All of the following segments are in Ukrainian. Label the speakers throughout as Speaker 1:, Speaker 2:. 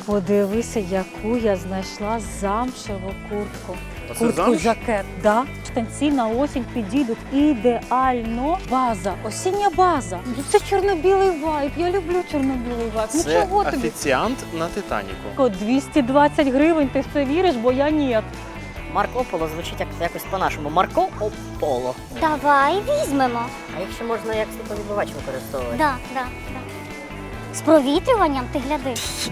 Speaker 1: Подивися, яку я знайшла замшеву куртку.
Speaker 2: Оце
Speaker 1: Куртку-жакет, да. Штанці на осінь підійдуть ідеально. База, осіння база. Це чорно-білий вайб, я люблю чорно-білий вайб. Ну
Speaker 2: Це
Speaker 1: чого тобі?
Speaker 2: офіціант на Титаніку.
Speaker 1: 220 гривень, ти в це віриш, бо я ні.
Speaker 3: Марко Поло звучить якось по-нашому. Марко Поло.
Speaker 4: Давай візьмемо.
Speaker 3: А якщо можна як світловідбивач використовувати?
Speaker 4: Да. З провітрюванням ти гляди.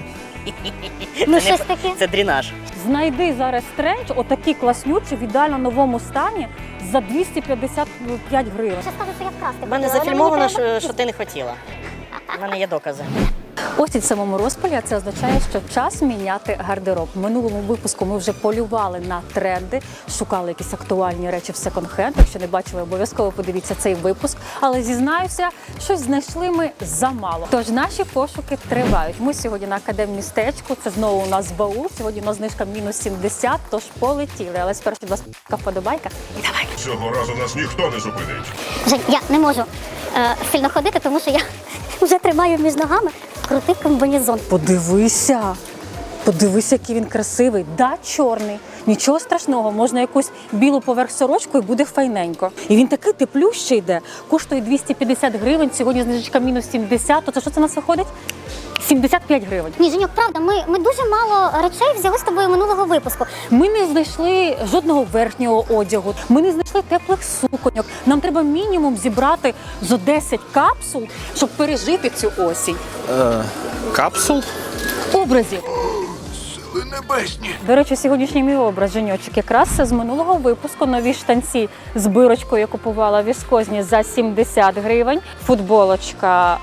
Speaker 4: Ну щось таке.
Speaker 3: Це дренаж.
Speaker 1: Знайди зараз тренч, отакі класнючі, в ідеально новому стані, за 255 гривень.
Speaker 4: Ще скажу, що я вкрасти.
Speaker 3: У мене
Speaker 4: хотіла, але
Speaker 3: зафільмовано,
Speaker 4: мені треба.
Speaker 3: що ти не хотіла. У мене є докази.
Speaker 1: Осінь в самому розпалі, а це означає, що час міняти гардероб. В минулому випуску ми вже полювали на тренди, шукали якісь актуальні речі в секонд-хенд. Якщо не бачили, обов'язково подивіться цей випуск. Але зізнаюся, щось знайшли ми замало. Тож наші пошуки тривають. Ми сьогодні на Академмістечку, це знову у нас баул. Сьогодні у нас знижка мінус 70, тож полетіли. Але спершу, будь ласка, вподобайка. І давай.
Speaker 5: Цього разу нас ніхто не зупинить.
Speaker 4: Жень, я не можу сильно ходити, тому що я вже тримаю між ногами крутий комбінезон.
Speaker 1: Подивися, який він красивий. Да, чорний. Нічого страшного, можна якусь білу поверх сорочку і буде файненько. І він такий теплющий йде. Коштує 250 гривень, сьогодні знижечка мінус 70. То це що це у нас виходить? 75 гривень.
Speaker 4: Ні, Женьок, правда, ми дуже мало речей взяли з тобою минулого випуску.
Speaker 1: Ми не знайшли жодного верхнього одягу, ми не знайшли теплих суконьок. Нам треба мінімум зібрати зо 10 капсул, щоб пережити цю осінь.
Speaker 2: Капсул?
Speaker 1: Образів.
Speaker 5: Сили небесні.
Speaker 1: До речі, сьогоднішній мій образ, Женьочок, якраз з минулого випуску. Нові штанці з бирочкою я купувала віскозні за 70 гривень. Футболочка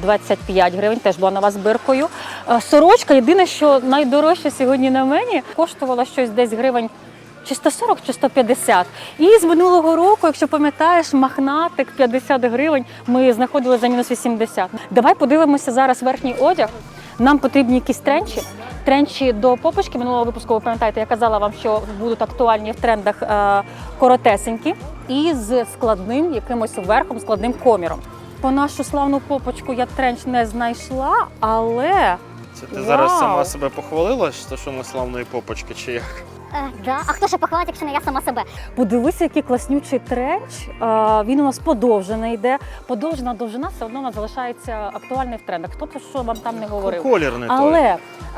Speaker 1: 25 гривень, теж була нова з биркою. Сорочка, єдине, що найдорожче сьогодні на мені, коштувала щось десь гривень чи 140, чи 150. І з минулого року, якщо пам'ятаєш, махнатик 50 гривень ми знаходили за мінус 80. Давай подивимося зараз верхній одяг. Нам потрібні якісь тренчі. Тренчі до попочки минулого випуску, ви пам'ятаєте, я казала вам, що будуть актуальні в трендах коротесенькі і з складним якимось верхом, складним коміром. По нашу славну попочку я тренч не знайшла, але...
Speaker 2: Це ти зараз
Speaker 1: Вау!
Speaker 2: сама себе похвалила, що ми славної попочки, чи як?
Speaker 4: Да. А хто ще похвалить, якщо не я сама себе?
Speaker 1: Подивися, який класнючий тренч. Він у нас подовжений йде. Подовжена довжина все одно у нас залишається актуальною в трендах. Хто б що вам там не говорив.
Speaker 2: Колір не той.
Speaker 1: Але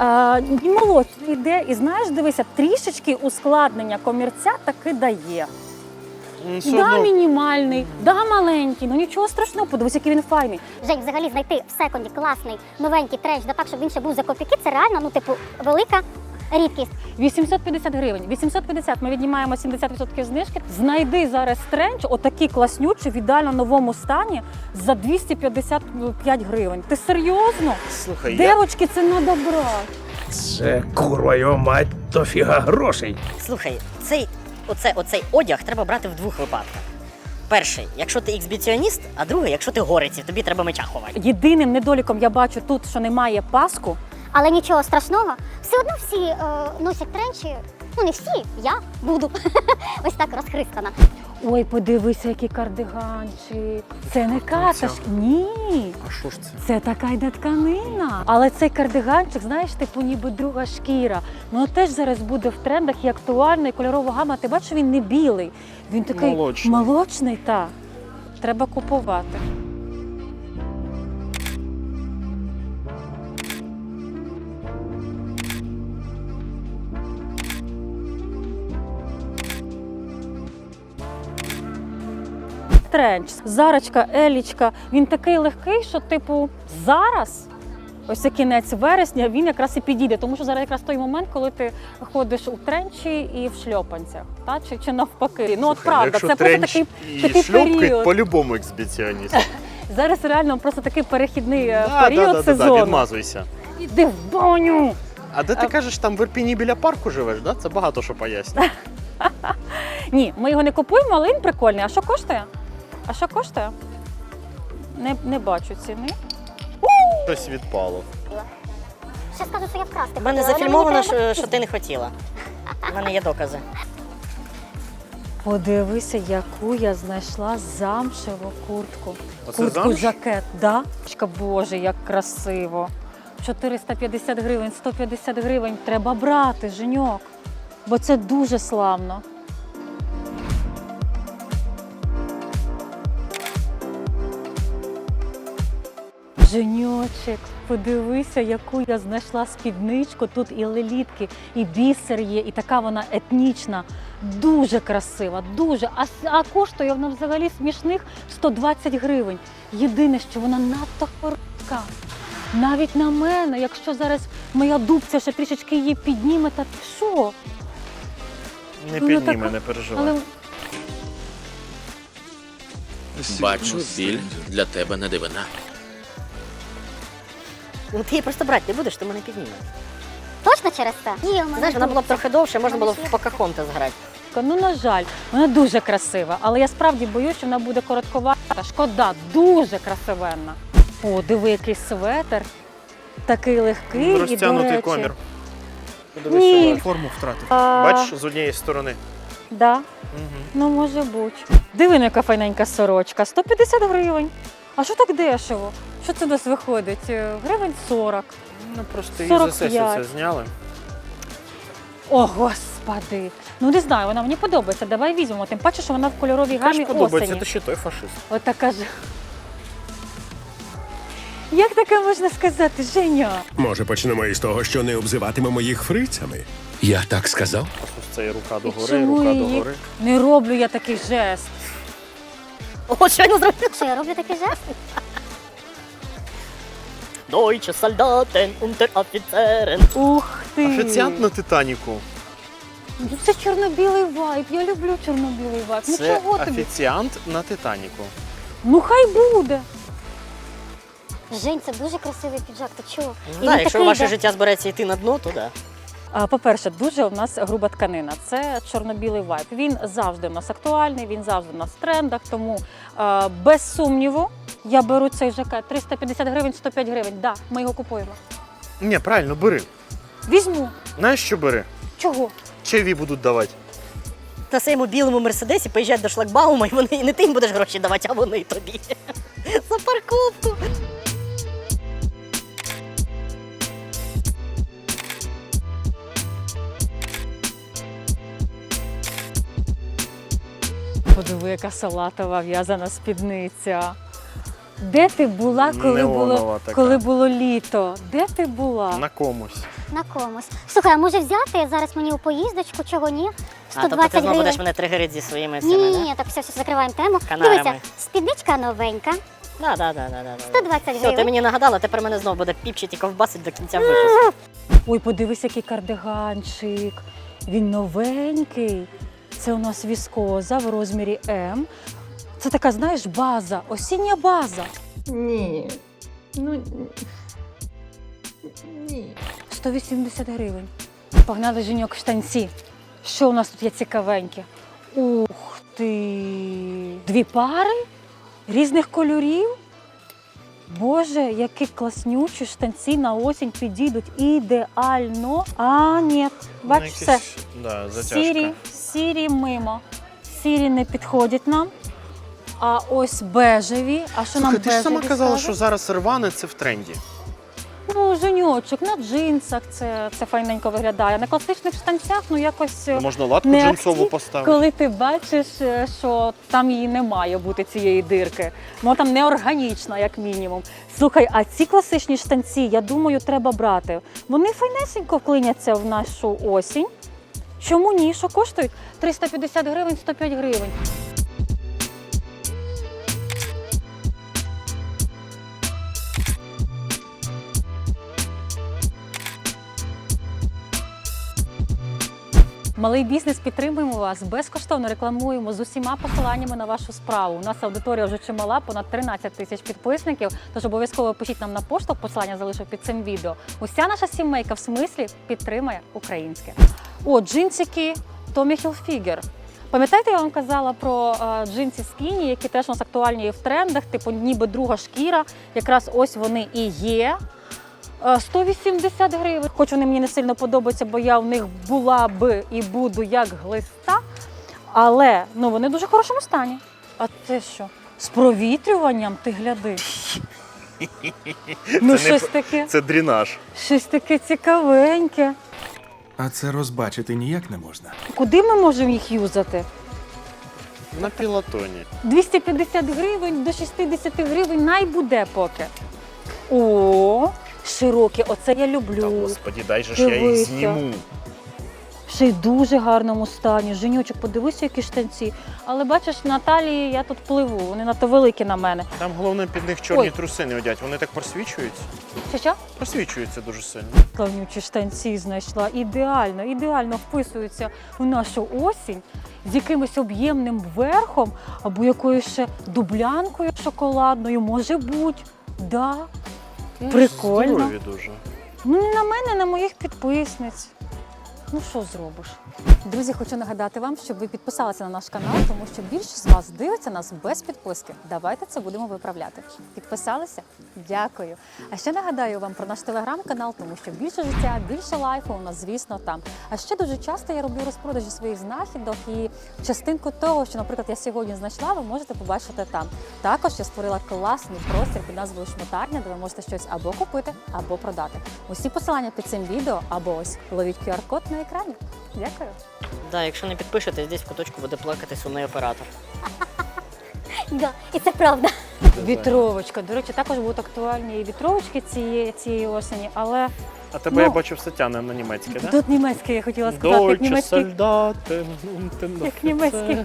Speaker 1: молодший йде, і знаєш, дивися, трішечки ускладнення комірця таки дає.
Speaker 2: Все
Speaker 1: Да,
Speaker 2: одно
Speaker 1: мінімальний, да, маленький, ну нічого страшного, подивись, який він файний.
Speaker 4: Жень, взагалі знайти в секонді класний, новенький тренч, да так, щоб він ще був за копійки, це реально, ну, типу, велика рідкість.
Speaker 1: 850 гривень. 850, ми віднімаємо 70% знижки. Знайди зараз тренч, отакий класнючий, в ідеально новому стані, за 255 гривень. Ти серйозно?
Speaker 2: Слухай,
Speaker 1: Девочки, це надо брати.
Speaker 6: Це, курва його мать, то фіга грошей.
Speaker 3: Слухай, оцей одяг треба брати в двох випадках. Перший, якщо ти ексбіціоніст, а другий, якщо ти горець, і тобі треба меча ховати.
Speaker 1: Єдиним недоліком я бачу тут, що немає паску.
Speaker 4: Але нічого страшного, все одно всі носять тренчі, ну не всі, я буду ось так розхристана.
Speaker 1: Ой, подивися, який кардиганчик. Це не каташ. Ні.
Speaker 2: А що ж це?
Speaker 1: Це така йде тканина. Але цей кардиганчик, знаєш, типу ніби друга шкіра. Воно теж зараз буде в трендах і актуально, і кольорова гама. Ти бачиш, він не білий. Він такий молочний, так. Треба купувати. Тренч, зарочка, елічка, він такий легкий, що типу зараз, ось це кінець вересня, він якраз і підійде, тому що зараз якраз той момент, коли ти ходиш у тренчі і в шльопанцях, та? Чи навпаки. Ну от правда, це просто такий період.
Speaker 2: По-любому ексбіціоніст.
Speaker 1: Зараз реально просто такий перехідний період сезону.
Speaker 2: Відмазуйся.
Speaker 1: Іди в баню!
Speaker 2: А де ти кажеш, там в Ірпіні біля парку живеш, да? Це багато що пояснює.
Speaker 1: Ні, ми його не купуємо, але він прикольний. А що коштує? Не бачу ціни.
Speaker 2: Щось відпало.
Speaker 4: Ще скажу, що я вкрасти.
Speaker 3: У мене
Speaker 4: хотіла, але
Speaker 3: зафільмовано,
Speaker 4: мені треба.
Speaker 3: що ти не хотіла. У мене є докази.
Speaker 1: Подивися, яку я знайшла замшеву куртку.
Speaker 2: Оце замш?
Speaker 1: Куртку-жакет, да? Боже, як красиво. 450 гривень, 150 гривень. Треба брати, Женьок. Бо це дуже славно. Женьочек, подивися, яку я знайшла спідничку. Тут і лелітки, і бісер є, і така вона етнічна. Дуже красива, дуже. А коштує вона взагалі смішних 120 гривень. Єдине, що вона надто коротка. Навіть на мене, якщо зараз моя дубця ще трішечки її підніме, та що?
Speaker 2: Не
Speaker 1: Вона
Speaker 2: підніме,
Speaker 1: така-
Speaker 2: не переживай.
Speaker 1: Але
Speaker 7: Бачу, біль для тебе не дивина.
Speaker 3: Ну ти її просто брати не будеш, то мене підніме.
Speaker 4: Точно через це? Є, у мене
Speaker 3: Знаєш, вона була б
Speaker 4: дубця.
Speaker 3: трохи довше, можна було
Speaker 4: Мене
Speaker 3: в Покахонтас грати.
Speaker 1: ну, на жаль, вона дуже красива, але я справді боюсь, що вона буде коротковата. Шкода, дуже красивенна. О, диви, який светр. Такий легкий і, до
Speaker 2: Розтягнутий
Speaker 1: речі...
Speaker 2: комір.
Speaker 1: Ні.
Speaker 2: Подивись, форму втратив.
Speaker 1: А.
Speaker 2: Бачиш, з однієї сторони.
Speaker 1: Да? Ну, може бути. Диви, яка файненька сорочка. 150 гривень. А що так дешево? Що це у нас виходить? Гривень 40.
Speaker 2: Ну просто її за
Speaker 1: 45.
Speaker 2: сесію це зняли.
Speaker 1: О, господи. Ну, не знаю, вона мені подобається. Давай візьмемо. Тим паче, що вона в кольоровій
Speaker 2: Яка ж
Speaker 1: гамі
Speaker 2: подобається,
Speaker 1: осені.
Speaker 2: ти ще той фашист.
Speaker 1: Отака ж. Як таке можна сказати, Женя?
Speaker 6: Може, почнемо із того, що не обзиватимемо їх фрицями?
Speaker 7: Я так сказав?
Speaker 2: Ось це і рука
Speaker 1: І
Speaker 2: догори,
Speaker 1: чому
Speaker 2: рука
Speaker 1: її
Speaker 2: догори.
Speaker 1: не роблю я такий жест?
Speaker 3: О, щойно зробив.
Speaker 4: Що, я роблю такий жест?
Speaker 3: Deutsche Soldaten, Unteroffizieren.
Speaker 1: Ух ти!
Speaker 2: Офіціант на Титаніку.
Speaker 1: Ну, це чорно-білий вайб. Я люблю чорно-білий вайб. Ну
Speaker 2: Це
Speaker 1: чого тобі?
Speaker 2: офіціант на Титаніку.
Speaker 1: Ну хай буде.
Speaker 4: Жень, це дуже красивий піджак, ти чого?
Speaker 3: Ну,
Speaker 4: І
Speaker 3: да,
Speaker 4: він
Speaker 3: якщо
Speaker 4: такий,
Speaker 3: ваше
Speaker 4: да.
Speaker 3: життя збереться йти на дно, то да.
Speaker 1: По-перше, дуже у нас груба тканина. Це чорно-білий вайб. Він завжди у нас актуальний, він завжди у нас в трендах. Тому без сумніву я беру цей жакет. 350 гривень, 105 гривень. Да, ми його купуємо.
Speaker 2: Ні, правильно, бери.
Speaker 1: Візьму.
Speaker 2: Знаєш, що бери?
Speaker 1: Чого?
Speaker 2: Чайові будуть давати.
Speaker 3: На своєму білому мерседесі поїжджать до шлагбаума, і вони і не ти їм будеш гроші давати, а вони тобі. За парковку.
Speaker 1: Подиви, яка салатова в'язана спідниця. Де ти була,
Speaker 2: Неонова така.
Speaker 1: коли було літо? Де ти була?
Speaker 2: На комусь.
Speaker 4: На комусь. Слухай, а може взяти зараз мені у поїздочку, чого ні?
Speaker 3: А, тобто
Speaker 4: 120
Speaker 3: ти знову будеш
Speaker 4: гривень.
Speaker 3: мене тригерити зі своїми
Speaker 4: Ні,
Speaker 3: цими,
Speaker 4: ні,
Speaker 3: да?
Speaker 4: ні, так все, закриваємо тему.
Speaker 3: Канарами.
Speaker 4: Дивися, спідничка новенька,
Speaker 3: Да.
Speaker 4: 120
Speaker 3: Все, ти
Speaker 4: гривень.
Speaker 3: мені нагадала, тепер мене знову буде піпчить і ковбасить до кінця випуску.
Speaker 1: Ой, подивись, який кардиганчик. Він новенький. Це у нас віскоза в розмірі М. Це така, знаєш, база, осіння база.
Speaker 8: Ні. Ну ні.
Speaker 1: 180 гривень. Погнали, Женьок, в штанці. Що у нас тут є цікавеньке? Ух ти! 2 пари різних кольорів. Боже, які класнючі штанці на осінь підійдуть ідеально. А, ні, бач,
Speaker 2: Ну,
Speaker 1: все.
Speaker 2: якийсь, да, затяжка.
Speaker 1: Сірі мимо. Сірі не підходять нам. А ось бежеві. А що нам
Speaker 2: Слухай, ти ж
Speaker 1: бежеві
Speaker 2: сама казала,
Speaker 1: скажуть?
Speaker 2: що зараз рване це в тренді.
Speaker 1: Ну, Женьочок, на джинсах це файненько виглядає. На класичних штанцях, ну якось
Speaker 2: Можна латку
Speaker 1: не
Speaker 2: джинсову
Speaker 1: акцент,
Speaker 2: поставити.
Speaker 1: коли ти бачиш, що там її не має бути, цієї дирки. Вона там неорганічна, як мінімум. Слухай, а ці класичні штанці, я думаю, треба брати. Вони файнесенько вклиняться в нашу осінь. Чому ні? Що коштують? 350 гривень, 105 гривень. Малий бізнес, підтримуємо вас, безкоштовно рекламуємо з усіма посиланнями на вашу справу. У нас аудиторія вже чимала, понад 13 тисяч підписників, тож обов'язково пишіть нам на пошту, посилання залишу під цим відео. Уся наша сімейка в смислі підтримає українське. О, джинсики Tommy Hilfiger. Пам'ятаєте, я вам казала про джинси скіні, які теж у нас актуальні і в трендах, типу ніби друга шкіра, якраз ось вони і є. 180 гривень. Хоч вони мені не сильно подобаються, бо я в них була би і буду як глиста. Але ну, вони в дуже хорошому стані. А це що? З провітрюванням, ти гляди. Ну,
Speaker 2: Це не
Speaker 1: щось таке.
Speaker 2: Це дренаж.
Speaker 1: Щось таке цікавеньке.
Speaker 6: А це розбачити ніяк не можна.
Speaker 1: Куди ми можемо їх юзати?
Speaker 2: На пілотоні.
Speaker 1: 250 гривень до 60 гривень найбуде поки. О, широкі, оце я
Speaker 2: Та
Speaker 1: люблю.
Speaker 2: господі, дай же ж я їх
Speaker 1: Дивися.
Speaker 2: зніму.
Speaker 1: Ще й в дуже гарному стані. Женючок, подивися, які штанці. Але бачиш, на талії я тут пливу, вони надто великі на мене.
Speaker 2: Там головне під них чорні
Speaker 1: Ой.
Speaker 2: труси не одять. Вони так просвічуються.
Speaker 1: Що?
Speaker 2: Просвічуються дуже сильно.
Speaker 1: Славнючі штанці знайшла. Ідеально вписуються в нашу осінь з якимось об'ємним верхом або якоюсь ще дублянкою шоколадною. Може бути. Да. Прикольно.
Speaker 2: Здорові дуже.
Speaker 1: Ну, не на мене, на моїх підписниць. Ну, що зробиш? Друзі, хочу нагадати вам, щоб ви підписалися на наш канал, тому що більшість з вас дивиться нас без підписки. Давайте це будемо виправляти. Підписалися? Дякую. А ще нагадаю вам про наш телеграм-канал, тому що більше життя, більше лайфу у нас, звісно, там. А ще дуже часто я роблю розпродажі своїх знахідок і частинку того, що, наприклад, я сьогодні знайшла, ви можете побачити там. Також я створила класний простір під назвою Шмотарня, де ви можете щось або купити, або продати. Усі посилання під цим відео або ось ловіть QR-код на екрані. Дякую.
Speaker 3: Да, якщо не підпишетесь, десь в куточку буде плакати сумний оператор.
Speaker 4: Да, і це правда.
Speaker 1: Вітровочка. До речі, також будуть актуальні і вітровочки цієї осені, але
Speaker 2: А тебе
Speaker 1: Ну,
Speaker 2: я бачив Сатяна на німецьке, так?
Speaker 1: тут німецьке, я хотіла сказати, як
Speaker 2: Дойче
Speaker 1: німецький,
Speaker 2: солдати.
Speaker 1: як німецький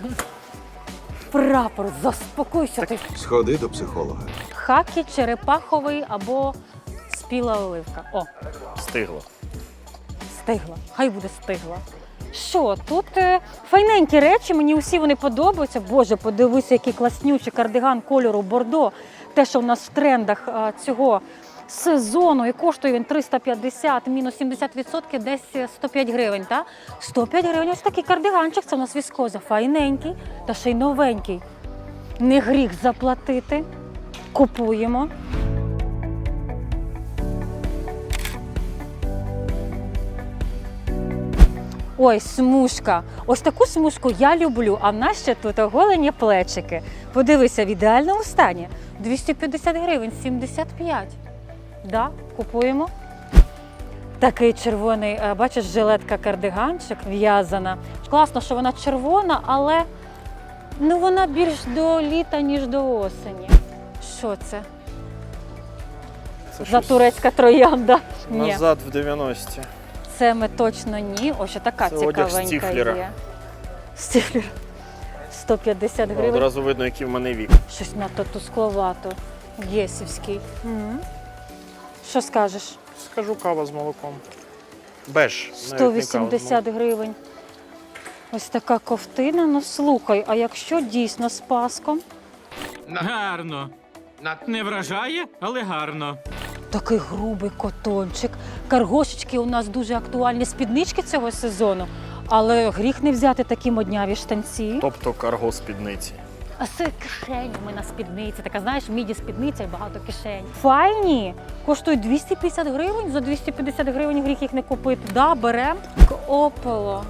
Speaker 1: прапор. Заспокойся ти.
Speaker 5: Сходи до психолога.
Speaker 1: Хакі, черепаховий або спіла оливка. О,
Speaker 2: Стигло.
Speaker 1: стигла. Хай буде стигла. Що, тут файненькі речі, мені усі вони подобаються. Боже, подивися, який класнючий кардиган кольору бордо. Те, що в нас в трендах цього сезону, і коштує він 350, мінус 70%, десь 105 гривень. Та? 105 гривень, ось такий кардиганчик, це у нас віскоза, файненький та ще й новенький. Не гріх заплатити. Купуємо. Ой, смужка. Ось таку смужку я люблю, а в нас ще тут оголені плечики. Подивися, в ідеальному стані. 250 гривень, 75. Да, купуємо. Такий червоний, бачиш, жилетка-кардиганчик в'язана. Класно, що вона червона, але ну, вона більш до літа, ніж до осені. Що це?
Speaker 2: Це
Speaker 1: За
Speaker 2: щось
Speaker 1: турецька троянда. Ні.
Speaker 2: назад в 90-ті.
Speaker 1: Це ми точно ні. Ось така
Speaker 2: Це одяг
Speaker 1: цікавенька
Speaker 2: Стіфлера.
Speaker 1: є. Стіфлер. 150 гривень.
Speaker 2: Одразу видно, який в мене вік.
Speaker 1: Щось надто тускловато. Єсівський. Що скажеш?
Speaker 2: Скажу, кава з молоком. Беж. навіть не кава з
Speaker 1: 180 гривень. Ось така ковтина. Ну слухай, а якщо дійсно з паском?
Speaker 9: Гарно. Не вражає, але гарно.
Speaker 1: Такий грубий котончик. Каргошечки у нас дуже актуальні спіднички цього сезону. Але гріх не взяти такі модняві штанці.
Speaker 2: Тобто карго спідниці.
Speaker 1: А з кишенями на спідниці. Така, знаєш, міді спідниця і багато кишень. Файні! Коштують 250 гривень. За 250 гривень гріх їх не купити. Да, берем. Ополо.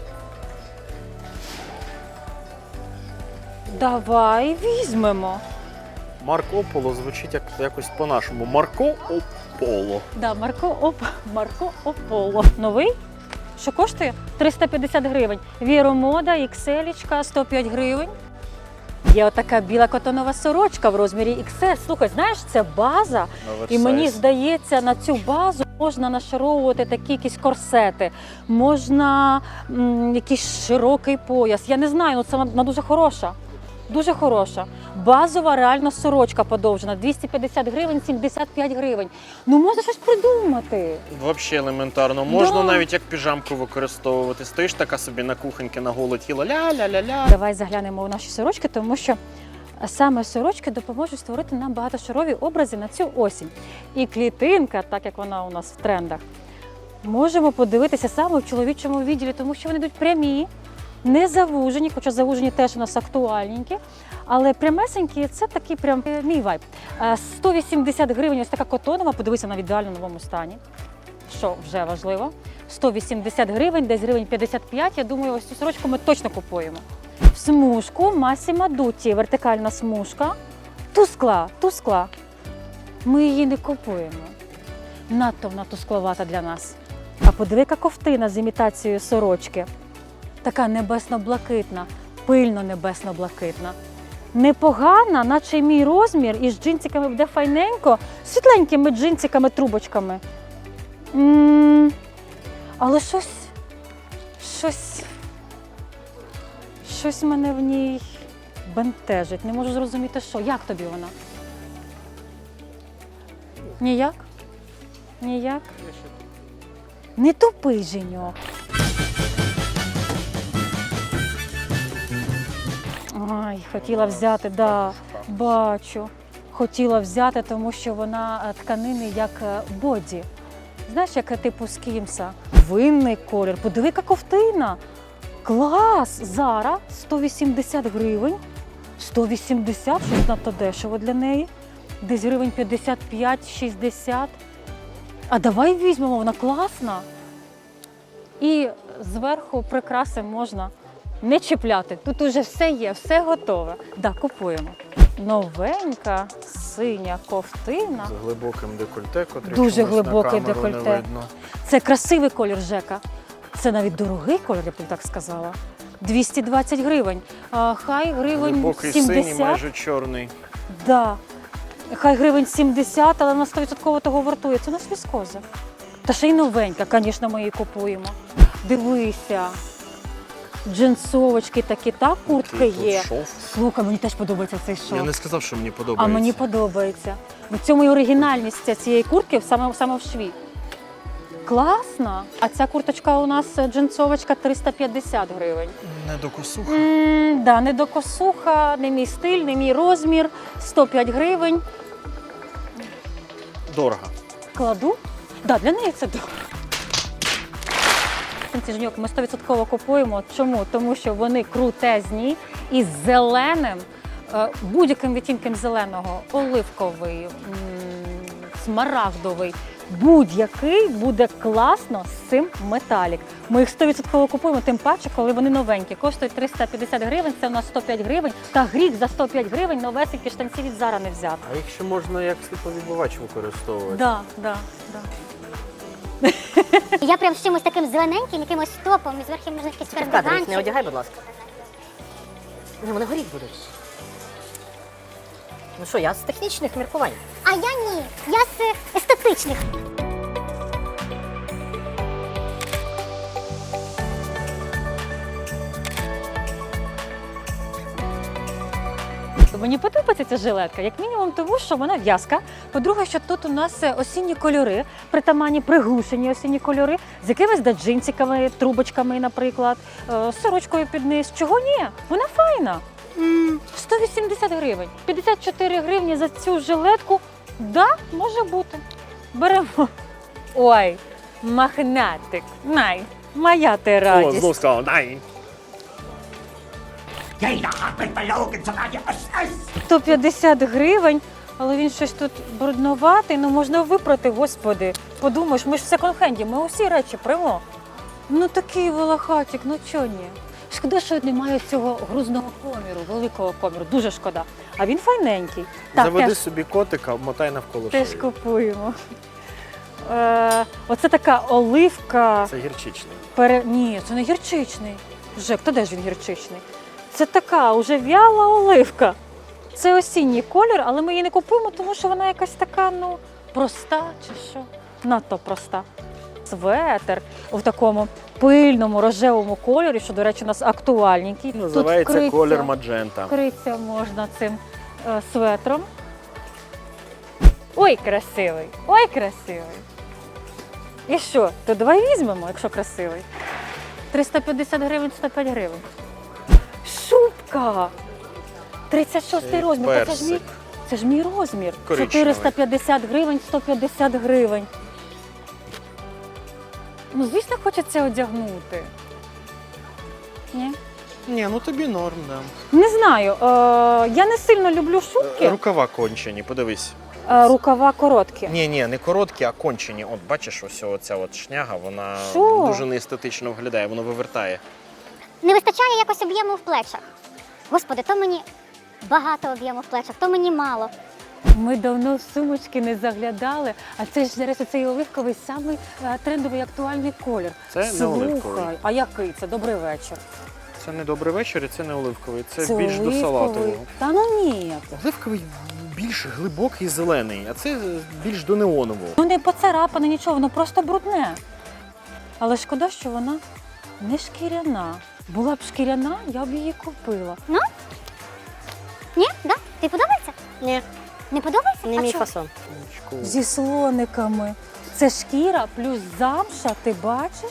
Speaker 1: Давай візьмемо.
Speaker 2: Марко Поло звучить якось по-нашому. Марко Ополо.
Speaker 1: Да, Марко Ополо. Новий? Що коштує? 350 гривень. Віромода, XL, 105 гривень. Є отака біла котонова сорочка в розмірі XS. Слухай, знаєш, це база. І мені здається, на цю базу можна нашаровувати такі якісь корсети, можна якийсь широкий пояс. Я не знаю, ну це вона дуже хороша. Дуже хороша. Базова реально сорочка подовжена. 250 гривень, 75 гривень. Ну можна щось придумати.
Speaker 2: Взагалі елементарно. Можна
Speaker 1: Да.
Speaker 2: навіть як піжамку використовувати. Стоїш така собі на кухоньки на голе тіло. Ля-ля-ля-ля.
Speaker 1: Давай заглянемо у наші сорочки, тому що саме сорочки допоможуть створити нам багатошарові образи на цю осінь. І клітинка, так як вона у нас в трендах, можемо подивитися саме в чоловічому відділі, тому що вони йдуть прямі, не завужені, хоча завужені теж у нас актуальненькі, але прямесенькі – це такий прям мій вайб. 180 гривень, ось така котонова, подивися, на в ідеально новому стані, що вже важливо. 180 гривень, десь гривень 55, я думаю, ось цю сорочку ми точно купуємо. В смужку Massimo Dutti, вертикальна смужка, тускла. Ми її не купуємо. Надто вона тускловата для нас. А подиви, яка ковтина з імітацією сорочки. Така небесно-блакитна, пильно небесно-блакитна. Непогана, наче мій розмір, і з джинсиками буде файненько, світленькими джинсиками-трубочками. Але щось мене в ній бентежить. Не можу зрозуміти, що. Як тобі вона? Ніяк? Ніяк? Не тупий, Женьок. Ай, хотіла взяти, да, бачу. Хотіла взяти, тому що вона тканини як боді. Знаєш, як типу скімса. Винний колір. Подиви, яка ковтина. Клас! Зара 180 гривень. 180, щось надто дешево для неї. Десь гривень 55-60. А давай візьмемо, вона класна. І зверху прикраси можна не чіпляти. Тут уже все є, все готове. Да, купуємо. Новенька синя ковтина.
Speaker 2: З глибоким декольте, котрий
Speaker 1: Дуже
Speaker 2: чомусь на
Speaker 1: глибокий
Speaker 2: камеру
Speaker 1: декольте.
Speaker 2: не видно.
Speaker 1: Це красивий колір, Жека. Це навіть дорогий колір, я б так сказала. 220 гривень. Хай гривень
Speaker 2: Глибокий
Speaker 1: 70.
Speaker 2: синій, майже чорний.
Speaker 1: Да. Хай гривень 70, але на 100% того вартує. Це у нас віскоза. Та ще й новенька, звісно, ми її купуємо. Дивися. Джинсовочки такі, так, куртки
Speaker 2: Який тут
Speaker 1: є.
Speaker 2: шов.
Speaker 1: Слухай, мені теж подобається цей шов.
Speaker 2: Я не сказав, що мені
Speaker 1: А
Speaker 2: подобається.
Speaker 1: мені подобається. В цьому і оригінальність цієї куртки саме в шві. Класно. А ця курточка у нас джинсовочка 350 гривень.
Speaker 2: Не до косуха.
Speaker 1: Да, не до косуха, не мій стиль, не мій розмір. 105 гривень.
Speaker 2: Дорого.
Speaker 1: Кладу? Да, для неї це дорого. Ці жінок ми 100% купуємо. Чому? Тому що вони крутезні і з зеленим, будь-яким відтінком зеленого, оливковий, смарагдовий, будь-який буде класно з цим металік. Ми їх 100% купуємо, тим паче, коли вони новенькі. Коштують 350 гривень, це у нас 105 гривень. Та гріх за 105 гривень новесенькі штанці від Зара не взяти.
Speaker 2: А їх ще можна як світловідбивач використовувати.
Speaker 1: Да.
Speaker 4: Я прям з чимось таким зелененьким, якимось топом, і зверху можна якийсь
Speaker 3: Ти в кадр їх не
Speaker 4: карбіганчик.
Speaker 3: одягай, будь ласка. Ну, вони горіть будуть. Ну що, я з технічних міркувань.
Speaker 4: А я ні, я з естетичних.
Speaker 1: Мені подобається ця жилетка, як мінімум тому, що вона в'язка. По-друге, що тут у нас осінні кольори, притаманні приглушені осінні кольори, з якимись джинсиками, трубочками, наприклад, з сорочкою під низ. Чого ні? Вона файна. 180 гривень. 54 гривні за цю жилетку. Да, може бути. Беремо. Ой, магнатик. Най, моя ти
Speaker 2: О,
Speaker 1: радість.
Speaker 2: знов сказав, дай.
Speaker 1: 150 гривень, але він щось тут брудноватий, ну можна випрати, господи. Подумаєш, ми ж в секонд-хенді, ми усі речі прямо. Ну такий волохатик, ну чого ні? Шкода, що немає цього грузного коміру, великого коміру, дуже шкода. А він файненький.
Speaker 2: Заведи
Speaker 1: теж,
Speaker 2: собі котика, обмотай навколо
Speaker 1: теж
Speaker 2: шиї.
Speaker 1: купуємо. Оце така оливка.
Speaker 2: Це гірчичний.
Speaker 1: Ні, це не гірчичний. Жек, то де ж він гірчичний? Це така уже в'яла оливка. Це осінній колір, але ми її не купуємо, тому що вона якась така, ну, проста чи що. Надто проста. Светер у такому пильному рожевому кольорі, що, до речі, у нас актуальненький.
Speaker 2: Називається
Speaker 1: Тут
Speaker 2: колір маджента.
Speaker 1: вкритися можна цим светром. Ой, красивий! Ой, красивий! І що? То давай візьмемо, якщо красивий. 350 гривень, 105 гривень. Шубка! 36-й розмір. Та це ж мій розмір.
Speaker 2: Коричневий.
Speaker 1: 450 гривень, 150 гривень. Ну, звісно, хочеться одягнути. Ні?
Speaker 2: Ні, ну тобі норм, да.
Speaker 1: Не знаю. Я не сильно люблю шубки.
Speaker 2: Рукава кончені, подивись.
Speaker 1: Рукава короткі.
Speaker 2: Ні, не короткі, а кончені. От бачиш, ось оця от шняга, вона
Speaker 1: Що?
Speaker 2: дуже неестетично виглядає, воно вивертає.
Speaker 4: Не вистачає якось об'єму в плечах. Господи, то мені багато об'єму в плечах, то мені мало.
Speaker 1: Ми давно в сумочки не заглядали, а це ж зараз цей оливковий самий трендовий актуальний колір.
Speaker 2: Це не оливковий.
Speaker 1: Слухай, а який це? Добрий вечір.
Speaker 2: Це не добрий вечір і це не оливковий. Це більш
Speaker 1: оливковий.
Speaker 2: до салатового.
Speaker 1: Та ну ні.
Speaker 2: Оливковий більш глибокий зелений, а це більш до неонового.
Speaker 1: Ну не поцарапане, нічого, воно просто брудне. Але шкода, що вона не шкіряна. Була б шкіряна, я б її купила.
Speaker 4: Ні? Да? Ти подобається?
Speaker 3: Ні,
Speaker 4: Не подобається?
Speaker 3: не
Speaker 4: А
Speaker 3: мій
Speaker 4: чого?
Speaker 3: фасон.
Speaker 1: Зі слониками. Це шкіра плюс замша, ти бачиш?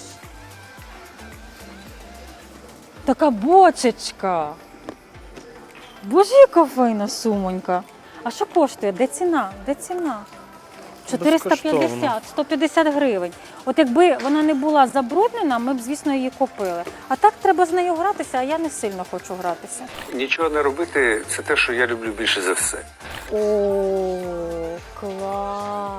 Speaker 1: Така бочечка. Боже, яка файна сумонька. А що коштує? Де ціна? Де ціна? 450,
Speaker 2: Безкоштовно.
Speaker 1: 150 гривень. От якби вона не була забруднена, ми б, звісно, її купили. А так треба з нею гратися, а я не сильно хочу гратися.
Speaker 10: Нічого не робити це те, що я люблю більше за все.
Speaker 1: О, клас!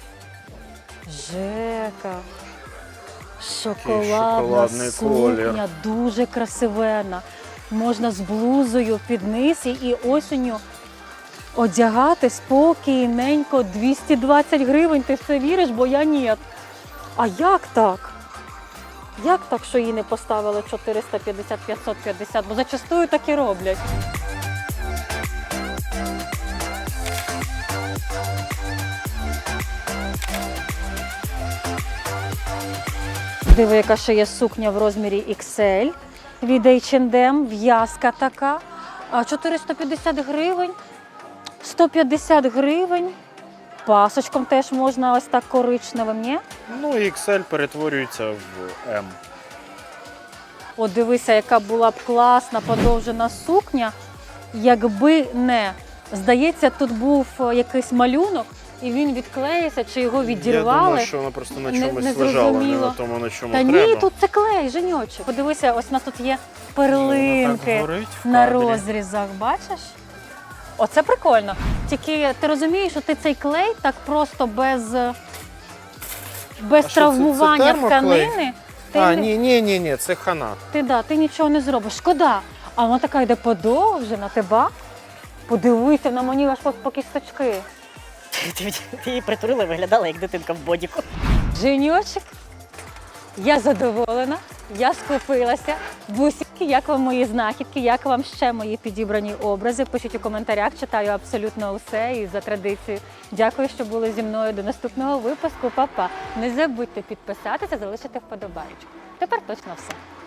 Speaker 1: Жека. Шоколадна
Speaker 2: шоколадний
Speaker 1: сукня,
Speaker 2: колір.
Speaker 1: дуже красивена. Можна з блузою під низ і осінню одягати спокійненько 220 гривень. Ти в це віриш, бо я ні. А як так? Як так, що її не поставили 450-550? Бо зачастую так і роблять. Диви, яка ще є сукня в розмірі XL від H&M, в'язка така. 450 гривень, 150 гривень. Пасочком теж можна ось так коричневим, ні?
Speaker 2: Ну і XL перетворюється в M.
Speaker 1: От дивися, яка була б класна подовжена сукня, якби не. Здається, тут був якийсь малюнок, і він відклеївся, чи його відірвали.
Speaker 2: Я думаю, що вона просто на
Speaker 1: Не-
Speaker 2: чомусь
Speaker 1: не
Speaker 2: лежала, не
Speaker 1: зрозуміло.
Speaker 2: на тому, на чому
Speaker 1: Та
Speaker 2: треба.
Speaker 1: ні, тут це клей, Женьочек. Подивися, ось у нас тут є перлинки
Speaker 2: горить в
Speaker 1: на
Speaker 2: кадрі.
Speaker 1: розрізах, бачиш? Оце прикольно. Тільки ти розумієш, що ти цей клей так просто без
Speaker 2: А що, це
Speaker 1: травмування
Speaker 2: термоклей?
Speaker 1: тканини. Ти,
Speaker 2: А,
Speaker 1: не-
Speaker 2: ні, це хана.
Speaker 1: ти нічого не зробиш. Шкода. А вона така йде подовжена, ти ба? Подивися, на мені аж по кісточки.
Speaker 3: Ти її притулила, виглядала як дитинка в бодіку.
Speaker 1: Женьочек, я задоволена, я скупилася. Бусики, як вам мої знахідки, як вам ще мої підібрані образи? Пишіть у коментарях, читаю абсолютно усе і за традицією. Дякую, що були зі мною до наступного випуску. Па-па. Не забудьте підписатися, залишити вподобайку. Тепер точно все.